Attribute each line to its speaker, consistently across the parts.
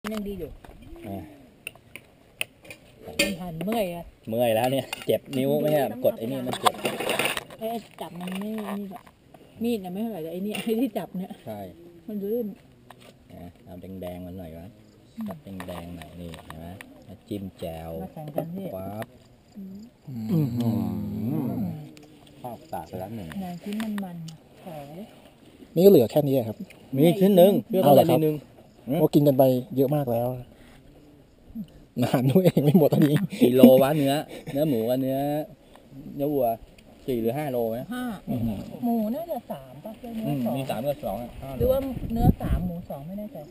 Speaker 1: ยังดีอยู่
Speaker 2: อ่า
Speaker 1: มันหันเมื่อยอะ
Speaker 2: เมื่อยแล้วเนี่ยเจ็บนิ้วไม่ใช่กดไอ้นี่มันเจ็บ
Speaker 1: ไอ้จับมันไม่นี่แบบมีดน่ะไม่เท่าไหร่แต่ไอ้นี่ไอ้ที่จับเนี่ย
Speaker 2: ใช่
Speaker 1: มันลื่น
Speaker 2: นะเอาแดงๆมันหน่อยวะจับแดงๆหน่อยนี่เห็นไหมแล้วจิ้มแจ่ว
Speaker 1: มาแข่งกันพี่
Speaker 2: ปั๊บข้าวปากไปแล้วหนึ่ง
Speaker 1: งานชิ้นมันๆขอ
Speaker 3: นี่ก็เหลือแค่นี้ครับ
Speaker 2: มีชิ้นหนึ่งเพื่อ
Speaker 3: เอา
Speaker 2: อะ
Speaker 3: เหร
Speaker 2: ไร
Speaker 3: อครับ
Speaker 2: นิดนึง
Speaker 3: โอ้กินกันไปเยอะมากแล้วนานด้วยไม่หมดตอนนี้
Speaker 2: กี่โลวะเนื้อหมูกับเนื้อวัว4 หรือ 5 โลไหม
Speaker 1: 5หมูน่าจะ3ป่ะเนื้อสอง
Speaker 2: มี3 กับ 2
Speaker 1: หรือว่าเนื้อ3หมู2ไม่แน่ใจ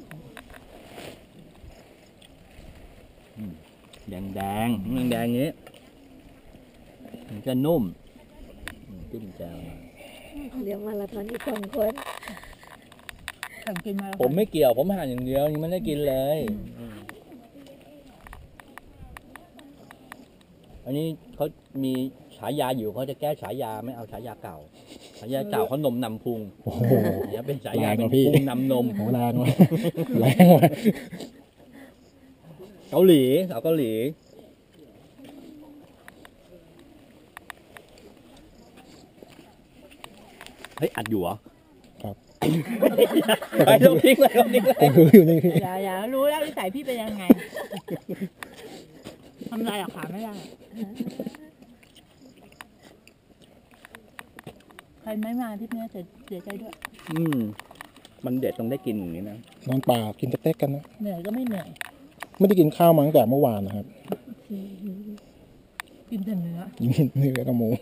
Speaker 2: แดงอย่างนี้มันจะนุ่มจิ้มแจ่วหน่อย
Speaker 4: เดี๋ยวมาราธอนอีก2 คน
Speaker 1: แข่งกินมาแล้ว
Speaker 2: ผมไม่เกี่ยวผมหั่นอย่างเดียวยังไม่ได้กินเลยอันนี้เขามีฉายาอยู่เขาจะแก้ฉายาไม่เอาฉายาเก่าฉายาเก่าเขานมนำพุง
Speaker 3: โอ้โห
Speaker 2: เนี่ยเป็นฉายา
Speaker 3: แรง
Speaker 2: เป็น
Speaker 3: ว่ะพี่
Speaker 2: พุงนำนม
Speaker 3: โหแรงว่ะแรงว่ะ
Speaker 2: เกาหลีสาวเกาหลีเฮ้ยอัดอยู่เหรอ
Speaker 3: ครับ
Speaker 2: ไปต้องทิ้งเลยต้องทิ้งเลย
Speaker 3: ผมรู้อยู่นี่พี่
Speaker 1: อย่ารู้แล้วนิสัยพี่เป็นยังไงทำไรหรอกขาไม่ได้ใครไม่มาที่นี้เสียใจด้วย
Speaker 2: มันเด็ดต้องได้กินอย่างนี้นะ
Speaker 3: นอนป่ากินสเต็กกันนะ
Speaker 1: เหนื่อยก็ไม่เหนื่อย
Speaker 3: ไม่ได้กินข้าวมาตั้งแต่เมื่อวานนะครับ
Speaker 1: กินแต่เนื้อ
Speaker 3: กินเนื้อกับหมู